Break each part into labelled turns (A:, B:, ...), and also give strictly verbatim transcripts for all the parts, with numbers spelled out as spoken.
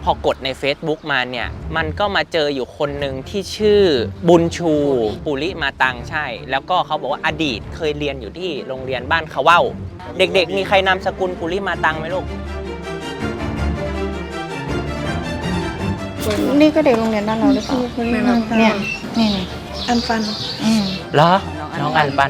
A: อกดใน Facebook มาเนี่ยมันก็มาเจออยู่คนหนึ่งที่ชื่อบุญชูปุริมาตังใช่แล้วก็เขาบอกว่าอดีตเคยเรียนอยู่ที่โรงเรียนบ้านเขาเว้าเด็กๆมีใครนามสกุลปุริมาตังไหมลูก
B: นี่ก็เด็กโรงเรียนบ้านเราหรือเปล่าเนี่ยนี่อันปันอืม
A: เหรอน้องอันปัน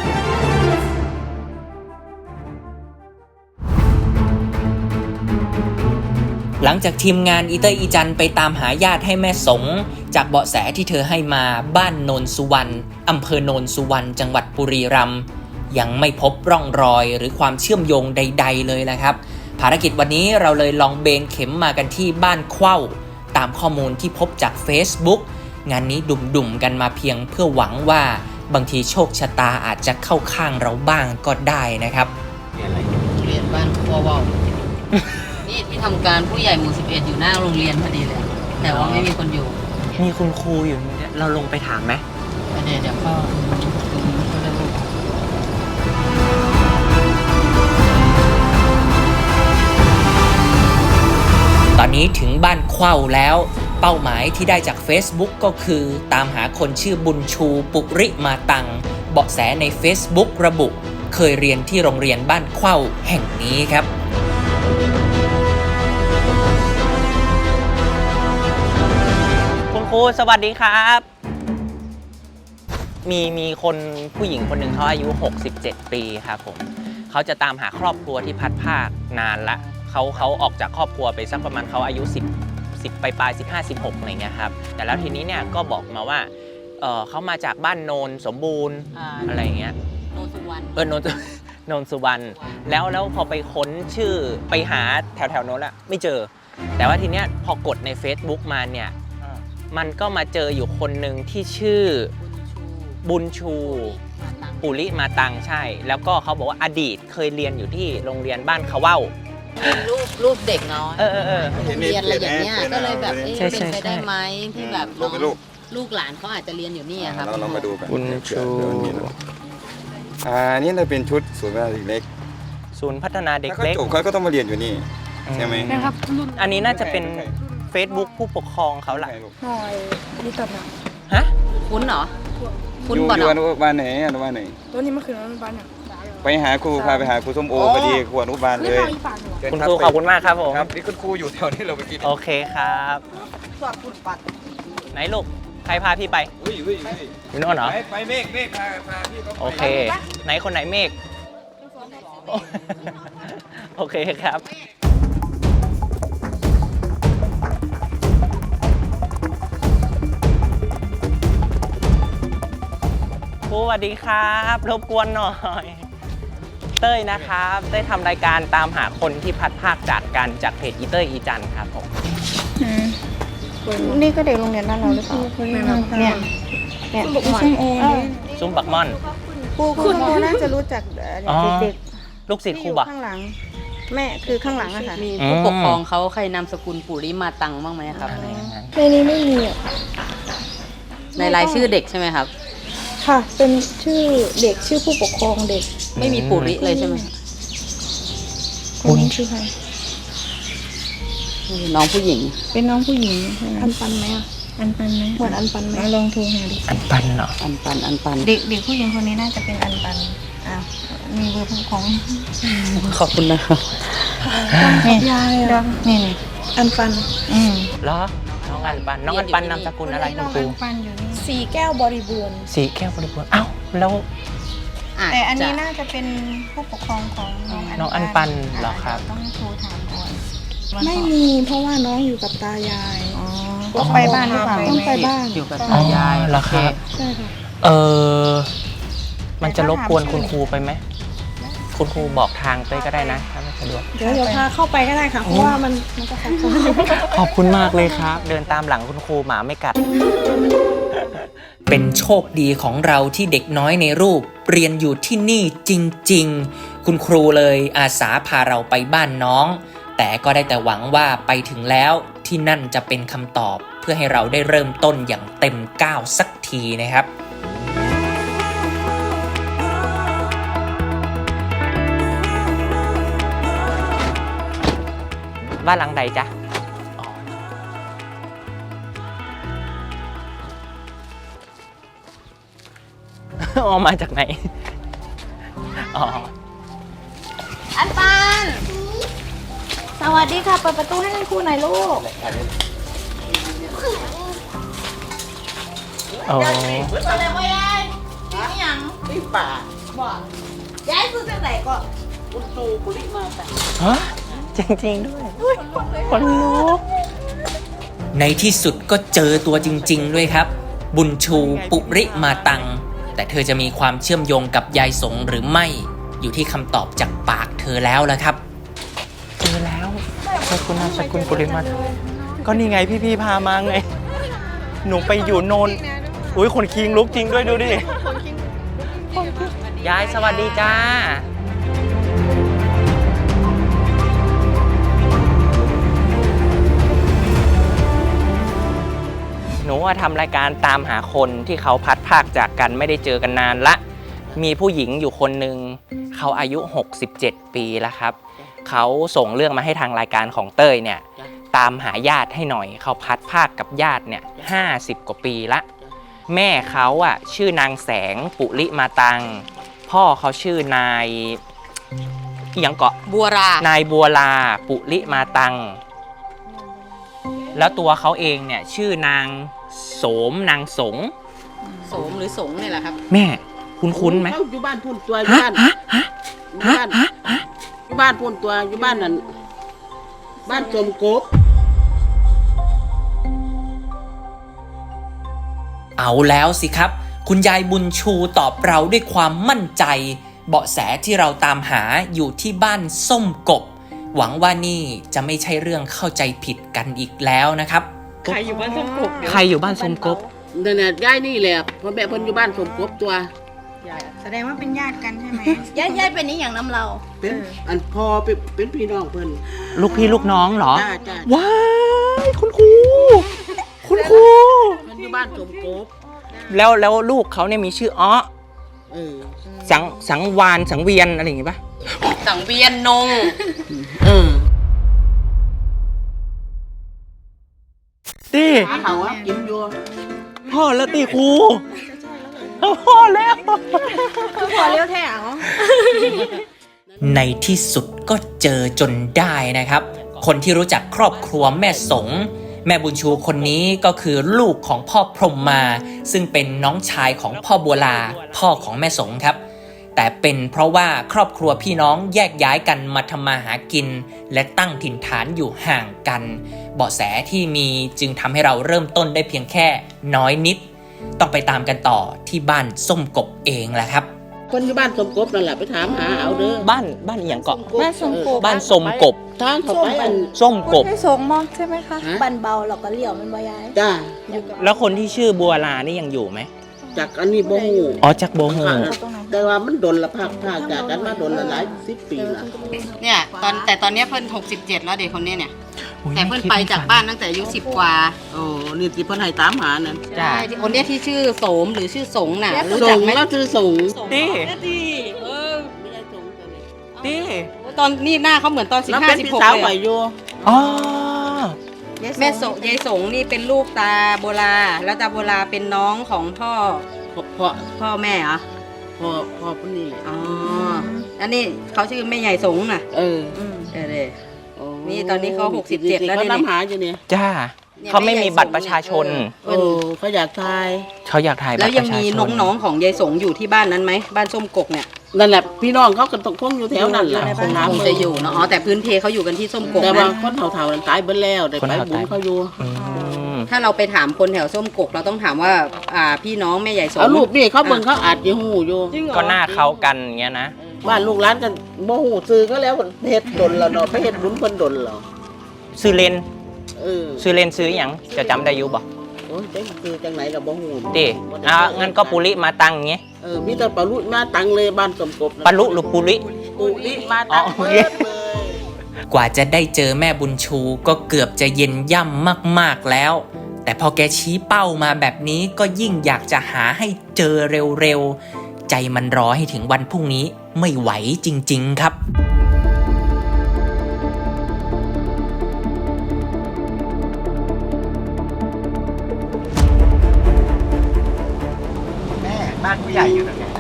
A: หลังจากทีมงานอีเตอร์อีจันไปตามหาญาติให้แม่สงจากเบาะแสที่เธอให้มาบ้านโนนสุวรรณอำเภอโนนสุวรรณจังหวัดบุรีรัมย์ยังไม่พบร่องรอยหรือความเชื่อมโยงใดๆเลยนะครับภารกิจวันนี้เราเลยลองเบนเข็มมากันที่บ้านเข้าตามข้อมูลที่พบจาก Facebook งานนี้ดุ่มๆกันมาเพียงเพื่อหวังว่าบางทีโชคชะตาอาจจะเข้าข้างเราบ้างก็ได้นะครับ
C: เรียนบ้านขั้วว่าวนี่ที่ทำการผู้ใหญ่หมู่สิบเอ็ดอยู่หน้าโรงเรียนพอดีเลยแต่ว่าไม่มีคนอยู่
A: มีคุณครูอยู่เนี่ยเราลงไปถามไหม
C: เดี๋ยวเดี๋ยวก็
A: ตอนนี้ถึงบ้านเข้าแล้วเป้าหมายที่ได้จาก Facebook ก็คือตามหาคนชื่อบุญชูปุริมาตังเบาะแสใน Facebook ระบุเคยเรียนที่โรงเรียนบ้านเข้าแห่งนี้ครับคุณครูสวัสดีครับมีมีคนผู้หญิงคนหนึ่งเขาอายุหกสิบเจ็ดปีครับผมเขาจะตามหาครอบครัวที่พัดภาคนานละเขาเขาออกจากครอบครัวไปสักประมาณเขาอายุสิบ สิบปลายๆสิบห้า สิบหกอะไรเงี้ยครับแต่แล้วทีนี้เนี่ยก็บอกมาว่าเออเขามาจากบ้านโนนสมบูรณ์ อ, อะไรเงี้ย
C: โนนสุวรรณ
A: เออโนนโนนสุวรรณแล้วแล้วพอไปค้นชื่อไปหาแถวแถวโน้นอะไม่เจอแต่ว่าทีเนี้ยพอกดใน Facebook มาเนี่ยมันก็มาเจออยู่คนหนึ่งที่ชื่อบุญชูปุริมาตังใช่แล้วก็เขาบอกว่าอดีตเคยเรียนอยู่ที่โรงเรียนบ้านเขาเว้า
C: เป็นรูปรูปเด็กน้อย
A: เออเออ
C: โรงเรียนอะไรอย่างเงี้ยก็เลยแบบเอ๊ะเป็นไปได้ไหมที่แบบลูกลูกหลานเขาอาจจะเรียนอยู่นี่ครับ
D: เราเรามาดูกัน
A: บุญชู
D: อ่านี่เราเป็นชุดศูนย์พัฒนาเด็กเล็ก
A: ศูนย์พัฒนาเด็กเล็ก
D: เขาจบเขาก็ต้องมาเรียนอยู่นี่ใช่ไหม
B: นะครับ
A: อันนี้น่าจะเป็น Facebook ผู้ปกครองเขาแหละ
B: หน่อยนี่ตัดนะ
A: ฮะ
C: คุ้นเหรอ
D: คุ้นก่อนอนุบาลไหนอนุบาลไหน
B: ตัวนี้มันคืออนุบาลเนี่ย
D: ไปหาครูพาไปหาครูส้มโอพอดีครูอนุบาลเลย
A: คุณครูขอบคุณมากครับผม
D: ครับนี่คุณครูอยู่แถวนี้เราไปกิน
A: โอเคครับ
B: สอบคุณปัด
A: ไหนลูกใครพาพี่ไป
D: อุ้ยอุ้ย
A: อยู่โน่นเหรอ
D: ไปเมฆเมฆพาพาพี่
A: โอเคไหนคนไหนเมฆโอเคครับครูสวัสดีครับรบกวนหน่อยเต้ยนะครับได้ทำรายการตามหาคนที่พัดภาคจากกันจากเพจอีเต้ยอีจันครับผม
B: นี่ก็เด็กโรงเรียนบ้านเราหรือเปล่าเนี่ยเนี่ยซุ้มโอ
A: ซุ้มบักม่อน
B: ครูคุณครูน่าจะรู้จักเด็ก
A: ลูกศิษย์ครูบะ
B: ข้างหลังแม่คือข้างหลังอะค่ะ
C: มีผู้ปกครองเขาใครนามสกุลปุริมาตังบ้างไหมครับ
B: ในนี้ไม่มี
C: ในรายชื่อเด็กใช่ไหมครับ
B: ค่ะเป็นชื่อเด็กชื่อผู้ปกครองเด็ก
C: ไม่มีปุริเลยใช่ไหม
B: คนนี้ชื่อใคร
C: น้องผู้หญิง
B: เป็นน้องผู้หญิงอันปันไหมอ่ะอันปันไหมเหมือนอันปันไหมลองโทรหาดิ
A: อันปันเหรอ
C: อันปันอันปัน
B: เด็กเด็กผู้หญิงคนนี้น่าจะเป็นอันปันอ่ะมีเบอร์ผู้ปกครอง
C: ขอบคุณนะครับ
B: นี่ยายอ่ะนี่นี่อันปัน
A: อืมเหรอน้องอันปันน้องอันปันนามสกุลอะไรคุณครู
B: สีแก้วบริบูรณ์
A: สีแก้วบริบูรณ์อ้าวแล้ว
B: แต่อันนี้น่าจะเป็นผู้ปกครองของ
A: น้องอันปันเหรอครับ
B: ต้องโทรถามก่อนไม่มีเพราะว่าน้องอยู่กับตายายต้องไปบ้านหรือเปล่าต้องไปบ้าน
C: อยู่กับตายาย
A: เหรอครับ
B: ใช่ค่ะ
A: เออมันจะรบกวนคุณครูไปไหมคุณครูบอกทางเต้ยก็ได้นะถ้าไม่สะดวก
B: เดี๋ยวเดี๋ยวพาเข้าไปก็ได้ค่ะเพราะว่ามันมันจะขัด
A: ขอบคุณมากเลยครับเดินตามหลังคุณครูหมาไม่กัดเป็นโชคดีของเราที่เด็กน้อยในรูปเรียนอยู่ที่นี่จริงๆคุณครูเลยอาสาพาเราไปบ้านน้องแต่ก็ได้แต่หวังว่าไปถึงแล้วที่นั่นจะเป็นคำตอบเพื่อให้เราได้เริ่มต้นอย่างเต็มก้าวสักทีนะครับบ้านหลังใดจ๊ะอ๋อออกมาจากไหนอ๋อ
B: อันปานสวัสดีค่ะเปิดประตูให้ท่านครูหน่อยลูก
A: อ๋อ
B: อะไรวะยายนี่ยังนี่ป่าบอกยายซื้อจากไหนก็อุตูกุลิมาแต่
A: ฮะจริงๆด้วยคนลุกในที่สุดก็เจอตัวจริงๆด้วยครับ บุญชูปุริมาตัง แต่เธอจะมีความเชื่อมโยงกับยายสงหรือไม่อยู่ที่คำตอบจากปากเธอแล้วละครับเจอแล้วใช่คุณนามสกุลปุริมาก็นี่ไงพี่ๆพามาไงหนูไปอยู่โนนอุ้ยคนคิงลุกจริงด้วยดูดิยายสวัสดีจ้าหนูว่าทำรายการตามหาคนที่เขาพัดพรากจากกันไม่ได้เจอกันนานละมีผู้หญิงอยู่คนหนึ่งเขาอายุหกสิบเจ็ดปีแล้วครับเขาส่งเรื่องมาให้ทางรายการของเต้ยเนี่ยตามหาญาติให้หน่อยเขาพัดพรากกับญาติเนี่ยห้าสิบกว่าปีละแม่เขาอ่ะชื่อนางแสงปุริมาตังพ่อเขาชื่อนายอีหยังเกาะ
C: บัวราน
A: ายบัวลาปุริมาตังแล้วตัวเขาเองเนี่ยชื่อนางโสมนางสง
C: โสมหรือสงเนี่ยแหละครับ
A: แม่คุ้นๆไหม
E: เขาอยู่บ้านพุ่นตัวอยู่บ้านอยู่บ้านอยู่บ้านพุ่นตัวอยู่บ้านนั่นบ้านสมกบ
A: เอาแล้วสิครับคุณยายบุญชูตอบเราด้วยความมั่นใจเบาะแสที่เราตามหาอยู่ที่บ้านส้มกบหวังว่านี่จะไม่ใช่เรื่องเข้าใจผิดกันอีกแล้วนะครับ
C: ใครอยู่บ้านส้มกบ
A: ใครอยู่บ้านส้มกบ
E: นั่นน่ะย้ายนี่แหละพ่อแม่เพิ่นอยู่บ้านสมกบตัว
B: แสดงว่าเป็นญาติกันใช่ไหมยายยายเป็นนี่อย่างน้ำเรา
E: เป็นอันพ่อเป็นเป็นพี่น้องเพิ่น
A: ลูกพี่ลูกน้องเหรอ
E: จ้าจ้า
A: ว้ายคุณครูคุณครู
E: เพิ่นอยู่บ้านสมกบ
A: แล้วแล้วลูกเขาเนี่ยมีชื่ออ้อ
E: เออ
A: สังสังวานสังเวียนอะไรอย่างงี้ปะ
C: สังเวียนนง
E: เออ
A: ตี
E: หาเขาวกินอยู่
A: พ่อแล้วตีครูพ่อแล้ว
B: ขอเลี้ยวแถว
A: ในที่สุดก็เจอจนได้นะครับ คนที่รู้จักครอบครัวแม่สงแม่บุญชูคนนี้ก็คือลูกของพ่อพรหมมาซึ่งเป็นน้องชายของพ่อบัวลาพ่อของแม่สงครับแต่เป็นเพราะว่าครอบครัวพี่น้องแยกย้ายกันมาทำมาหากินและตั้งถิ่นฐานอยู่ห่างกันเบาะแสที่มีจึงทำให้เราเริ่มต้นได้เพียงแค่น้อยนิดต้องไปตามกันต่อที่บ้านส้มกบเองแหละครับ
E: คนอยู่บ้านสมกบนั่นแหละไปถามหาเอาเด้อ
A: บ้านบ้านอหย่างเกาะ
B: บ้านสมกบ
A: บ้านสมกบ
E: ทางเขาไปอัน
A: ส้มกบ
B: ให้สงมองใช่ไหมคะ
E: ฮะ
B: บันเบาเราก็เลี้ยวมันบ่ยาย
E: จ้า
A: แล้วคนที่ชื่อบัวลานี่ยังอยู่ไหม
E: จากอันนี้บ่ฮู้
A: อ๋อจากโบฮู
E: แต่ว่ามันดนละภาคภาคจากกันมาดนละหลายสิบปีละ
C: เนี่ยตอนแต่ตอนเนี้ยเพิ่นหกสิบเจ็ดแล้วเด็กคนเนี้ยเนี่ยแต่เพิ่นไปจากบ้านตั้งแต่อายุสิบกว่า
E: โอ้นี่ที่เพิ่นให้ตามหานั่น
A: จ้า
C: ใช่คนเนี้ยที่ชื่อโสมหรือชื่อสงน่ะรู้
E: ส่
C: จัก
E: ง
C: ไหม
E: แล้วคือส่ง
A: ตี
C: ดีเออ
E: ไม่ได้ส่งตัวนี้
A: ตี
C: ตอนนี้หน้าเขาเหมือนตอนสิบ
E: แล้ว
C: ห้า
E: เป็น
C: สิบ
E: พี่
C: หก
E: สาว
C: เลย
E: ไหว
C: อะ
E: อยู่
A: อ๋อ
C: แม่สงยายสงนี่เป็นลูกตาโบราแล้วตาโบราเป็นน้องของพ่อ
E: พ่อพ่อ
C: พ่อแม่เหรอ
E: พ่อพ่อคนนี้แหละ
C: อ๋ออันนี้เขาชื่อแม่ใหญ่สงน่ะ
E: เออ
C: เออเลย
E: โอ้
C: นี่ตอนนี้เขาหกสิบเจ็ดแล้ว
E: เขา
C: เนี่ย
E: ตามหาอยู่เนี่ย
A: จ้าเขาไม่มีบัตรประชาชน
E: โอ้เขาอยากทาย
A: เขาอยากถ่ายบัตร
C: แล้ว
A: ป
C: ยัง
A: ระชา
C: มี
A: ชน
C: น้องๆของยายสงอยู่ที่บ้านนั้นไหมบ้านส้มกกเนี่ย
E: นั่นแหละพี่น้องเขาก็ตกคงอยู่แถวนั้นแหละ
C: คงคงจะอยู่เนาะอ๋อแต่พื้นเพเขาอยู่กันที่ส้มกก
E: แต่ว่า
C: นะ
E: คนเฒ่าๆนั้นตายเบิดแล้วได้ไปบุญเขาอยู่
A: อืม
C: ถ้าเราไปถามคนแถวส้มกกเราต้องถามว่าอ่าพี่น้องแม่ใหญ่สง
E: เอารูปนี่เขาเบิ่งเขาอาจจะฮู้อยู่
A: ก็หน้าเขากันอย่างเงี้ยนะ
E: บ้านลูกหลานกันบ่ฮู้ซื้อก็แล้วเฮ็ดดนแล้วเนาะไปเฮ็ดบุญเพิ่นดนแล้ว
A: ซื้อเลน
E: เออ
A: ซื้อเลนซื้ออย่างจะจำได้อยู่บ่
E: โอ้ยจังซื้อจังไหนก็บ่ฮู้
A: ตีอ่ะงั้นก็ปุริมาตังอย่างเงี้ย
E: เออมีแต่ปลาลุมาตังเลยบ้านสมกบ
A: ปลุหรือปุริ
E: ปุริมาตัง
A: อ๋อโอ
E: เบิ
A: เค
E: ดเลย
A: กว่าจะได้เจอแม่บุญชูก็เกือบจะเย็นย่ำมากๆแล้ว แต่พอแกชี้เป้ามาแบบนี้ก็ยิ่งอยากจะหาให้เจอเร็วๆ ใจมันรอให้ถึงวันพรุ่งนี้ไม่ไหวจริงๆครับ
F: แม่บ้านผู้ใหญ่อยู่ตรงไหน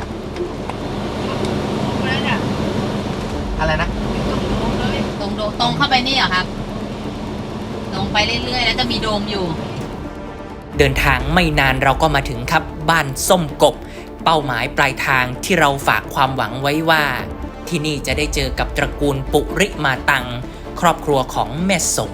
C: นี่เหรอครับตรงไปเรื่อยๆแล้วจะมีโดมอยู่
A: เดินทางไม่นานเราก็มาถึงครับบ้านส้มกบ เป้าหมายปลายทางที่เราฝากความหวังไว้ว่า ที่นี่จะได้เจอกับตระกูลปุริมาตัง ครอบครัวของแม่สง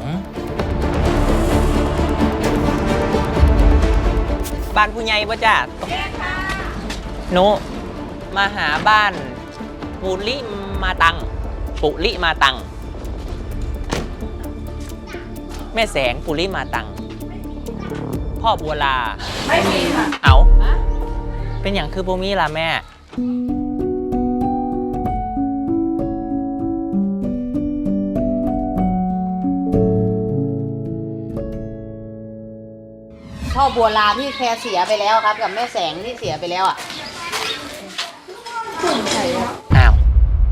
A: บ้านผู้ใหญ่ป่ะจ้ะโนมาหาบ้านปุริมาตัง ปุริมาตัง แม่แสงปุริมาตัง พ่อบัวลาไม่มีค่ะเอาเป็นอย่างคือโบมีล่ะแม่
C: พ่อบัวลาที่แคร์เสียไปแล้วครับ กับแม่แสงที่เสียไปแล้วอ่ะ
A: อ้าว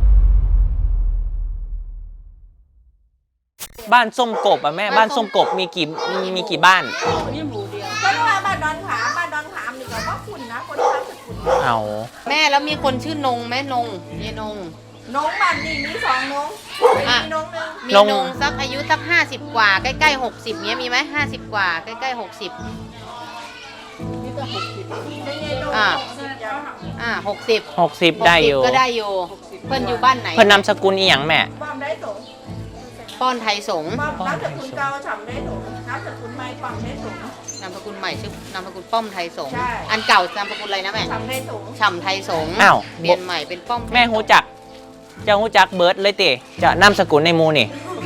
A: บ้านส้มกบอ่ะแม่บ้านส้มกบมีกี่มีมีกี่บ้าน
B: ก็รู้ว่าบ้านดอนขามบ้านดอนขามนี่ก็ว่าคุณนะคนที่ทำสุดคุณ
A: เอา
C: แม่แล้วมีคนชื่อนงแม่นงเยนง
B: น้องบ้านนี่มีสองน้อง
C: อ่ะ
B: มีน้องหนึ่ง
C: มีนงสักอายุสักห้าสิบกว่าใกล้ๆหกสิบเนี้ยมีไหมห้าสิบกว่าใกล้ๆหกสิบ
B: มีแต่หกสิบไม่ใช่น้อง
C: อ่า
B: สิบยัง
C: อ่าหกสิบ
A: หกสิบได้อยู่
C: ก็ได้อยู่เพื่อนอยู่บ้านไหน
A: เพิ่นนามสกุลอีหยังแม่
B: ป้อมได้สง
C: ป้อนไทยสงฆ์
B: ป้อมน้ำสกุลเก่าฉ่ำได้สงน้ำสกุลใหม่ป้อมได้สง
C: นามสกุลใหม่ชื่อนามสกุลป้อมไทยสงฆ์
B: ใช่
C: อันเก่านามสกุลอะไรนะแม่
B: ฉ่ำได้สง
C: ฉ่ำไทยสงฆ์
A: อ้าว
C: เปลี่ยนใหม่เป็นป้อมไทย
A: แม่หูจักเจ้าหูจักเบิร์ดเลยติจะนามสกุลในหมูนี่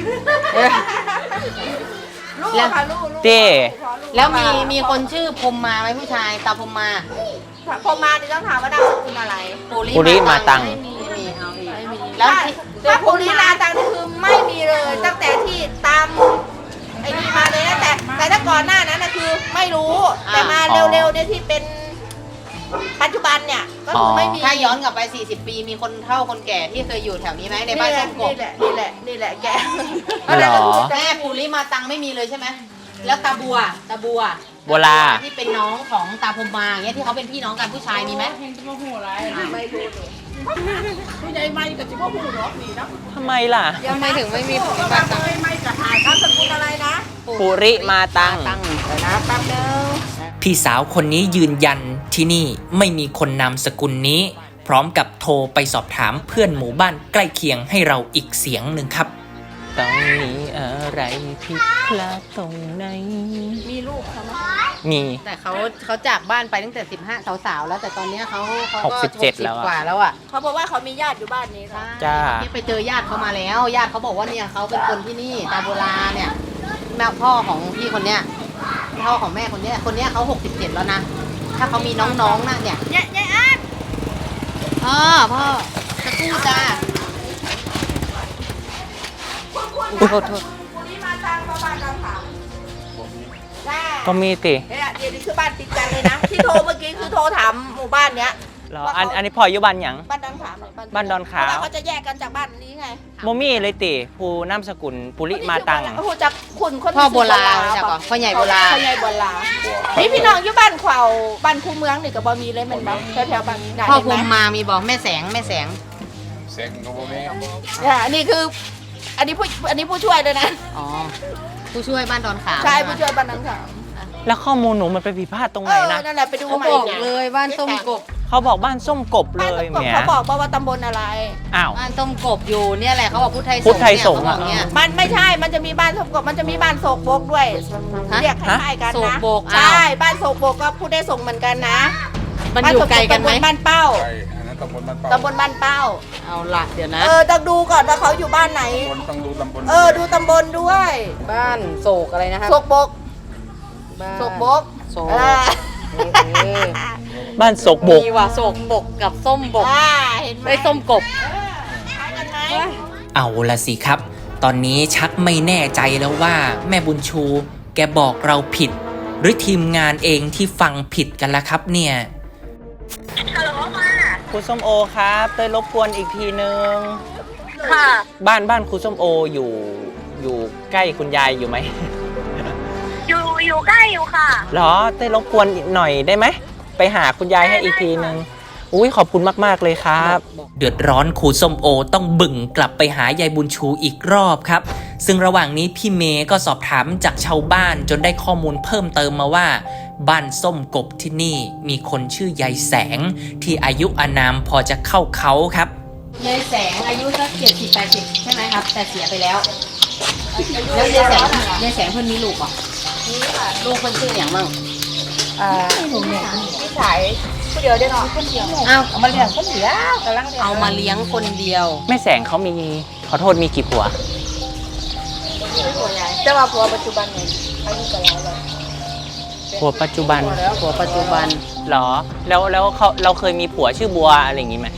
B: ลูกค่ะลูกลูก
A: เต้
C: แล้วมีมีคนชื่อพรมมาไหมผู้ชายตาพรมมา
B: พอมาดิต้องถามว่านามสกุลอะไร
A: ปุริมาตัง
C: ไม่มีไม่มีเอาอีกไม่มีแล้วที่
B: ถ้าปุริลาตังนี่คือไม่มีเลยตั้งแต่ที่ตามไอ้นี่มาเลยนะแต่แต่ถ้าก่อนหน้านั้นนะคือไม่รู้แต่มาเร็วๆเนี่ยที่เป็นปัจจุบันเนี่ยก็คือไม่มี
C: ถ้าย้อนกลับไปสี่สิบปีมีคนเฒ่าคนแก่ที่เคยอยู่แถวนี้ไหมในบ้านส้มกบ
B: นี่แหละนี่แหละนี่แหละแก
A: เหรอ
C: แม่ปุริมาตังไม่มีเลยใช่ไหมแล้วตาบัวตาบัว
A: บัวลา
C: ที่เป็นน้องของตาพรมมาอย่างเงี้ยที่เขาเป็นพี่น้องกันผู้ชายมีไหม
B: ไม่รู้ผู้ใหญ่ไม่กับจิ๋วผู้หรอกนี่นะ
A: ทำไมล่ะ
C: ทำไมถึงไม่มีปุริ
B: บ้า
C: มาตัง
B: ไม่ไม่กับหายนามสกุลอะไรนะ
A: ปุริมาตัง
C: ตัง
B: เดี๋ยวนะแป๊บนึง
A: พี่สาวคนนี้ยืนยันที่นี่ไม่มีคนนามสกุลนี้ พร้อมกับโทรไปสอบถามเพื่อนหมู่บ้านใกล้เคียงให้เราอีกเสียงหนึ่งครับตรงนี้อะไรผิดพลาดตรงไหน
B: มีลูกเขาไหม
A: มี
C: แต่เขาเขาจากบ้านไปตั้งแต่สิบห้าสาวๆแล้วแต่ตอนเนี้ยเขาเขาก็
A: หกสิบเจ็ดแล้วอะ
C: กว่าแล้วอ่ะ
B: เขาบอกว่าเขามีญาติอยู่บ้านนี้ค่ะ
A: จ้า
C: ที่ไปเจอญาติเขามาแล้วญาติเขาบอกว่าเนี่ยเขาเป็นคนที่นี่ตาโบราณเนี่ยแม่พ่อของพี่คนเนี้ยพ่อของแม่คนเนี้ยคนเนี้ยเขาหกสิบเจ็ดแล้วนะถ้าเขามีน้องๆนะเนี่ย
B: เนี่ยเนี่ยอาร์ต
C: พ่อพ่อจะกู้จ้า
B: คุณ
C: โทษโทษ
B: คุณนี่มาทางมาบ้านเราถามได้
A: ก็มีติ
B: เนี่ยเดี๋ยวนี้คือบ้านติดกันเลยนะ ที่โทรเมื่อกี้คือโทรถามหมู่บ้านเนี้ย
A: เหรออันอันนี้พออยู่บ้านหยัง
B: บ้านดอนขามเลย
A: บ้านดอนขาม
B: เพระว่เขาจะแยกกันจากบ้านนี้ไง
A: โมมี่เลยติผู้นามสกุลปุริมาตัง
B: โอ้โหจากคุณคน
C: พ่อโบราณจากก่อนพ่อใหญ่โบราณ
B: พ่อใหญ่โบราณนี่พี่น้องอยู่บ้านเขวาบ้านคูเมืองนี่ก็บ่มีเลยแมันบ่แถวๆบ้านไหน
C: พ่อ
B: เห็น
C: ภู
B: ไหม
C: มิมามีบอกแม่แสงแม่แสง
D: เซ็งก็บ่มี
B: อ่านี่คือ อันนี้ผู้อันนี้ผู้ช่วยเลยนะ
C: อ๋อผู้ช่วยบ้านดอนขาม
B: ใช่ผู้ช่วยบ้านดอนขาม
A: แล้วข้อมูลหนูมันไปผิดพลาดตรง
B: เอ
A: ไหน
B: อ
A: นะ
B: นั่นแหละไปดู
C: เขา
B: ใหม่
C: บอก
B: นี่
C: เลยบ้านส้มกบ
A: เขาบอกบ้านส้มกบเล
B: บ้าน
A: ย
B: ส้มกบ
A: เนี่ย
B: เขาบอกว่าตำบลอะไร
A: อ้าว
C: บ้านส้มกบอยู่เนี่ยแหละเขาบอกพุทธไทยสงฆ์
A: พุทธไทยสงฆ์
C: เนี่ยเขาบอกเนี่ย
B: มันไม่ใช่ มันจะมีบ้านโศกบกมันจะมีบ้านโศกบกด้วย
C: ฮะ
B: เรียกคล้ายๆกัน
C: โศก
B: นะ
C: บกอ้าว
B: ใช่ บ้านโศกบกก็พูดได้ส่งเหมือนกันนะ
C: มันอยู่ไกลกันไหม
B: บ้าโศบตำบลบ้านเป้า
D: ไปอันนั้นตำบลบ้านเป้า
B: ตำบลบ้านเป้า
C: เอาละเดี๋ยวนะ
B: เออ ต้องดูก่อนว่าเขาอยู่บ้านไหน
D: ตำบลต้องดูตำบล
B: เออ ดูตำบลด้วย
C: บ้านโศกอะไรนะครับ
B: โศกบก
C: บ้าน
B: โศกบก
C: โศก
B: เออ
C: เออ
A: บ้านโศกบก
C: มีว่ะโศกบกกับส้มบก
B: อ่าเห็นไหม
C: ไอ้ยส้มกบ
B: คล้ายกันไหม
A: เอาละสิครับ ตอนนี้ชักไม่แน่ใจแล้วว่าแม่บุญชู แกบอกเราผิด หรือทีมงานเองที่ฟังผิดกันละครับเนี่ยครูส้มโอครับเต้ยรบกวนอีกทีนึง
F: ค่ะ
A: บ้านบ้านครูส้มโออยู่อยู่ใกล้คุณยายอยู่ไหม
F: อยู่อยู่ใกล้อยู่ค่ะ
A: เหรอเต้ยรบกวนอีกหน่อยได้ไหมไปหาคุณยายให้อีกทีนึงอุ้ยขอบคุณมากๆเลยครับ เดือดร้อนครูส้มโอต้องบึ่งกลับไปหายายบุญชูอีกรอบครับซึ่งระหว่างนี้พี่เมย์ก็สอบถามจากชาวบ้านจนได้ข้อมูลเพิ่มเติมมาว่าบ้านส้มกบที่นี่มีคนชื่อยายแสงที่อายุอานามพอจะเข้าเขาครับ
C: ยายแสงอายุสักเจ็ดสิบแปดสิบใช่ไหมครับ แต่เสียไปแล้วแล้วยายแสงยายแสงเพิ่นมีลูกป่ะมีค่ะลูกเพิ่นชื่ออย่างมั่ง
B: อ่าพี่ชายผู้เดียวได้เนาะคนเดียว
C: อ้าว
B: เอามาเลี้ยงคนเดียวกำลัง
C: เอามาเลี้ยงคนเดียว
A: แม่แสงเขามีขอโทษมีกี่ผัว
B: แต่ว่าผัวปัจจุบันเนี่ยอายุกับเราเลย
A: ผัวปัจจุบัน
C: ผัวปัจจุบัน
A: หรอแล้วแล้วเขาเราเคยมีผัวชื่อบัวอะไรอย่างงี้ไหม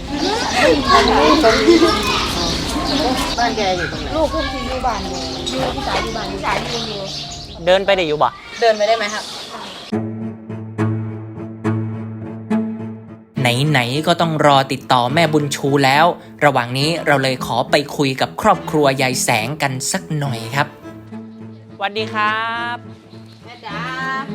C: บ้านแกอยู่ตรงไหน
B: ลูกคุณที่อยู่บ้านอยู่อยู่พี่สายอยู่บ้านพี่สายอยู่อยู่
A: เดินไปได้อยู่บ่
C: เดินไปได้ไหมครับ
A: ไหนๆก็ต้องรอติดต่อแม่บุญชูแล้ว ระหว่างนี้เราเลยขอไปคุยกับครอบครัวยายแสงกันสักหน่อยครับสวัสดีครับ
C: แม่จ๋า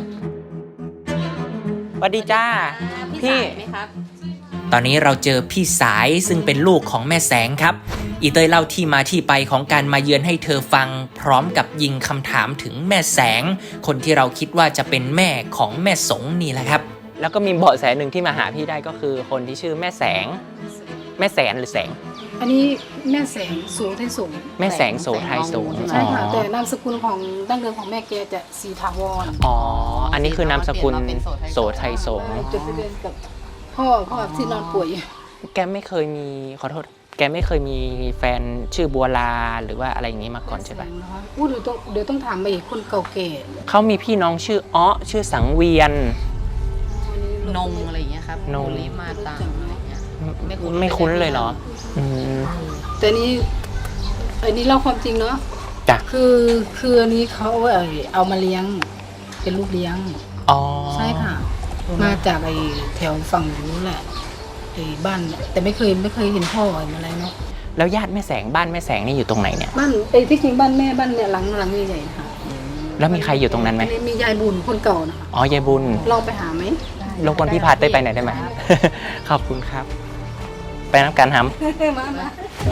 A: สวัสดีจ้า
C: พี่สายไหมครับ
A: ตอนนี้เราเจอพี่สายซึ่งเป็นลูกของแม่แสงครับอีเตยเล่าที่มาที่ไปของการมาเยือนให้เธอฟังพร้อมกับยิงคำถามถึงแม่แสงคนที่เราคิดว่าจะเป็นแม่ของแม่สงนี่แหละครับแล้วก็มีเบาะแสหนึ่งที่มาหาพี่ได้ก็คือคนที่ชื่อแม่แสงแม่แสนหรือแสง
G: อันนี้แม่แสงสูงไทยสูง
A: แม่แสงโสไทยสูง
G: ใช่ค่ะ
A: อ๋อ
G: แต่นามสกุลของดั้งเดิมของแม่แกจะสีถาวร
A: อ๋ออันนี้คือนามสกุลโสไทยสง
G: จดทะเบียนกับพ่อพ่อที่นอนป่วยอยู่
A: แกไม่เคยมีขอโทษแกไม่เคยมีแฟนชื่อบัวลาหรือว่าอะไรอย่างนี้มาก่อนใช่ปะ
G: นะคะอู้เดี๋ยวต้องเดี๋ยวต้องถามไปอีกคนเก่าแก่
A: เขามีพี่น้องชื่ออ้อชื่อสังเวียน
C: นงอะไรอย่างเงี้ยครับ
A: นง
C: ลิมาตังอะไรอย่างเงี้ย ไม่คุ้น
A: ไม่คุ้นเลยเหรออืม
G: แต่นี้อันนี้เล่าความจริงเนาะ
A: จ้ะ
G: คือคืออันนี้เขาเอาเอามาเลี้ยงเป็นลูกเลี้ยง
A: อ๋อ
G: ใช่ค่ะ มาจากไอ้แถวฝั่งนู้นแหละไอ้บ้านแต่ไม่เคยไม่เคยเห็นพ่อเห็นอะไรเนาะ
A: แล้วญาติแม่แสงบ้านแม่แสงนี่อยู่ตรงไหนเนี่ย
G: บ้านไอ้ที่จริงบ้านแม่บ้านเนี่ยหลังหลังใหญ่ๆนะคะ
A: แล้วมีใครอยู่ตรงนั้นไหม
G: อัมียายบุญคนเก่านะคะ
A: อ๋อยายบุญ
G: ลองไปหาไหม
A: รบกวนพี่พาเต้ยไปหน่อยได้ไหม ขอบคุณครับ ไปน้ำกันฮัม
G: มามา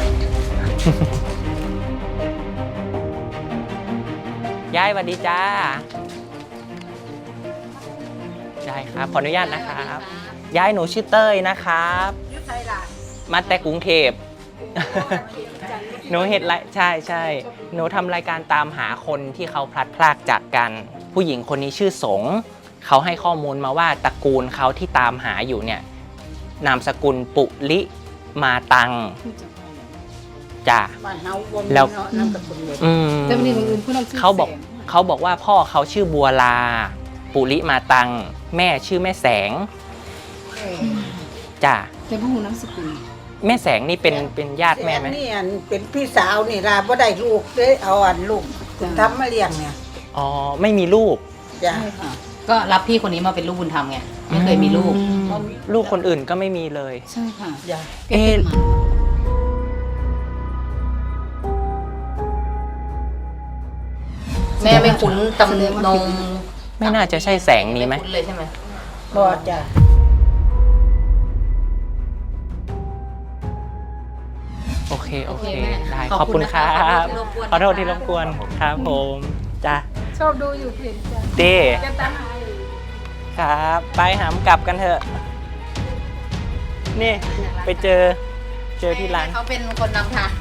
A: ยายสวัสดีจ้ายายครับขออนุญาตนะครับยายหนูชื่อเต้ยนะครับมาแต่กรุงเทพ หนูเห็นไรใช่ใช่หนูทำรายการตามหาคนที่เขาพลัดพรากจากกัน ผู้หญิงคนนี้ชื่อสงเขาให้ข้อมูลมาว่าตระกูลเขาที่ตามหาอยู่เนี่ยนามสกุลปุลิมาตังจ้ะ
E: บ้านเฮาบ่มี
A: แล้ว
E: เนาะนามสกุลเลย
A: อืม
G: แต่วันนี้บางอื่นผู้นำชื่อ
A: เขาบอก
G: แสง
A: เขาบอกว่าพ่อเขาชื่อบัวลา ปุริมาตัง แม่ชื่อแม่แสงจ้ะ
G: แต่ผู้หูน้ำสกุล
A: แม่แสงนี่เป็นเป็นญาติแม่ไหม
E: นี่อันเป็นพี่สาวนี่ล่ะบ่ได้ลูกเด้เอาอันลูกทำมาเลี้ยงเนี่ย
A: อ๋อไม่มีลูก
E: จ้ะ
G: ใช่ค่ะ
C: ก็รับพี่คนนี้มาเป็นลูกบุญธรรมไง ไม่เคยมีลูก
A: อืมลูกคนอื่นก็ไม่มีเลย
G: ใช่ค่ะ
E: จ้ะ
G: แกเป็นหมา
C: แม่ไม่คุ้นตำนง
A: ไม่น่าจะใช่แสงนี้ไหม
C: ไม่คุ้นเลยใช่ไหม
E: บ่จ้ะ
A: โอเคโอเค
C: โอเคแม่
A: ได้ข
C: ข
A: อ
C: อ
A: บบ
C: คุ
A: คุณ
C: ณ
A: ครั
C: นะคะ
A: บ
C: ข
A: ข
C: อ
A: อ
C: โท
A: โท
C: ษ
A: ษ
C: ที่
A: ที่
C: ร
A: ร
C: บบ ก
A: ก
C: ว
A: วน นครับผมจ้ะ
G: ชอบดูอยู่เพจจ้ะ
A: เต้
G: แกตามหาอยู่
A: ครับไปหามกลับกันเถอะ นี่ไปเจอเจอที่ร้าน
C: เขาเป็นคนนำทาง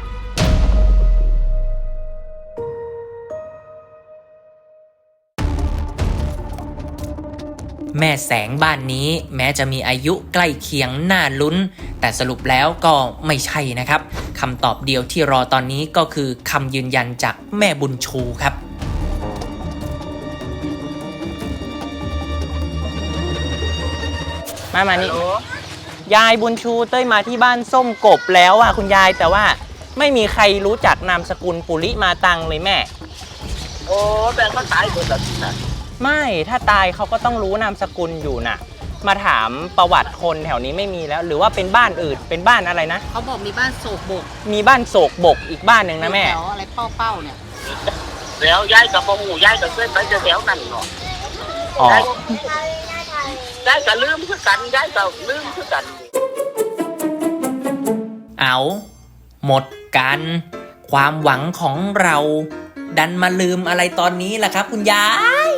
A: แม่แสงบ้านนี้แม้จะมีอายุใกล้เคียงน่าลุ้น แต่สรุปแล้วก็ไม่ใช่นะครับคำตอบเดียวที่รอตอนนี้ก็คือคำยืนยันจากแม่บุญชูครับ มามานี่ยายบุญชูเต้ยมาที่บ้านส้มกบแล้วอ่ะคุณยายแต่ว่าไม่มีใครรู้จักนามสกุลปุริมาตังเลยแม่
F: โอ้แต่ก็ตายหมดแล้วนะ
A: ไม่ถ้าตายเขาก็ต้องรู้นามสกุลอยู่น่ะ มาถามประวัติคนแถวนี้ไม่มีแล้ว หรือว่าเป็นบ้านอื่นเป็นบ้านอะไรนะ
C: เขาบอกมีบ้านโศกบก
A: มีบ้านโศกบกอีกบ้านหนึ่งนะแม่
C: แถวอะไรเป้าเป้าๆเนี่ย
F: แล้วย้ายกับพ่อหมูย้ายกับเพื่อนไปจะแถวนั่นเนาะ
A: อ๋อ
F: ย้ายย้ายก็ลืมคือกันย้ายก็ลืมคือกัน
A: เอาหมดกัน ความหวังของเรา ดันมาลืมอะไรตอนนี้ล่ะครับคุณยาย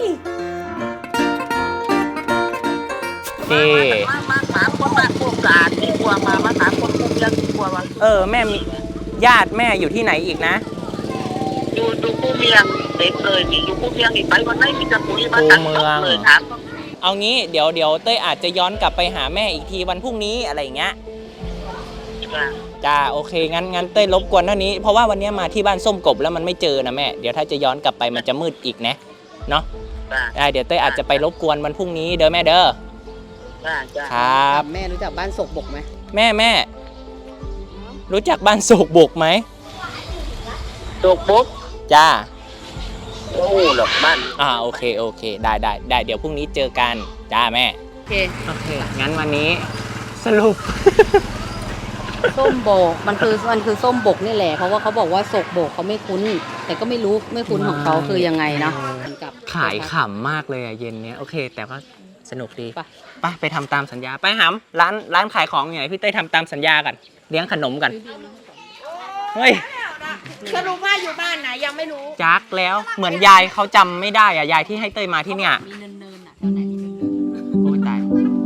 A: เอ
F: มามาถามคนบ้านพวกสะอาดดีกว่ามามาถามคนพวกเรื่องดีกว่าว่า
A: เออแม่มีญาติแม่อยู่ที่ไหนอีกนะ
F: ดูดูผู้เมียงเต็มเลยนี่ดูผู้เมียงนี่ไปวันไหนมีแต่ปุ๋ยมาตัดจบเลยถาม
A: เอางี้เดี๋ยวเดี๋ยวเต้ยอาจจะย้อนกลับไปหาแม่อีกทีวันพรุ่งนี้อะไรอย่างเงี้ยจ้าโอเคงั้นงั้นเต้ยรบกวนเท่านี้เพราะว่าวันนี้มาที่บ้านส้มกบแล้วมันไม่เจอนะแม่เดี๋ยวถ้าจะย้อนกลับไปมันจะมืดอีกนะเนาะได้เดี๋ยวเต้ยอาจจะไปรบกวนวันพรุ่งนี้เด้อแม่เด้อครับ
C: แม่รู้จักบ้านโศกบกไหม
A: แม่แม่รู้จักบ้านโศกบกไหม
F: โศกบก
A: จ้า
F: โอ้หรอกบ้าน
A: อ่าโอเคโอเคได้ได้ได้เดี๋ยวพรุ่งนี้เจอกันจ้าแม่
C: โอเค
A: โอเคงั้นวันนี้สรุป
C: ส้มโบกมันคือมันคือส้มบกนี่แหละเพราะว่าเขาบอกว่าโศกโบกเขาไม่คุ้น แต่ก็ไม่รู้ไม่คุ้นของเขาคือยังไงเนาะกับ
A: ขายขำมากเลยอะเย็นเนี้ยโอเค แต่ก็สนุกดี
C: ไป
A: ไปไปทำตามสัญญาไปหำร้านร้านขายของอยู่ไหนพี่เต้ยทำตามสัญญากันเลี้ยงขนมกันเฮ้ย
B: สรุปว่าอยู่บ้านไหนยังไม่รู้
A: จักแล้วเหมือนยายเขาจำไม่ได้อะยายที่ให้เต้ยมาที่เนี่ย
C: มีเนินๆอ่ะแถวไหนมีเนิน
A: โอ้ยตาย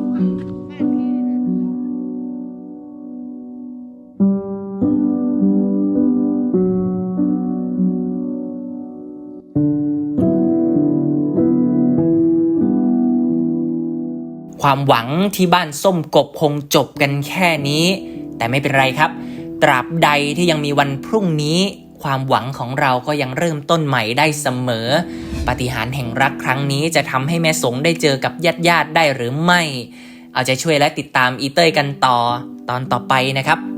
A: ความหวังที่บ้านส้มกบคงจบกันแค่นี้ แต่ไม่เป็นไรครับ ตราบใดที่ยังมีวันพรุ่งนี้ ความหวังของเราก็ยังเริ่มต้นใหม่ได้เสมอปาฏิหาริย์แห่งรักครั้งนี้จะทำให้แม่สงได้เจอกับญาติญาติได้หรือไม่ เอาใจช่วยและติดตามอีเต้ยกันต่อตอนต่อไปนะครับ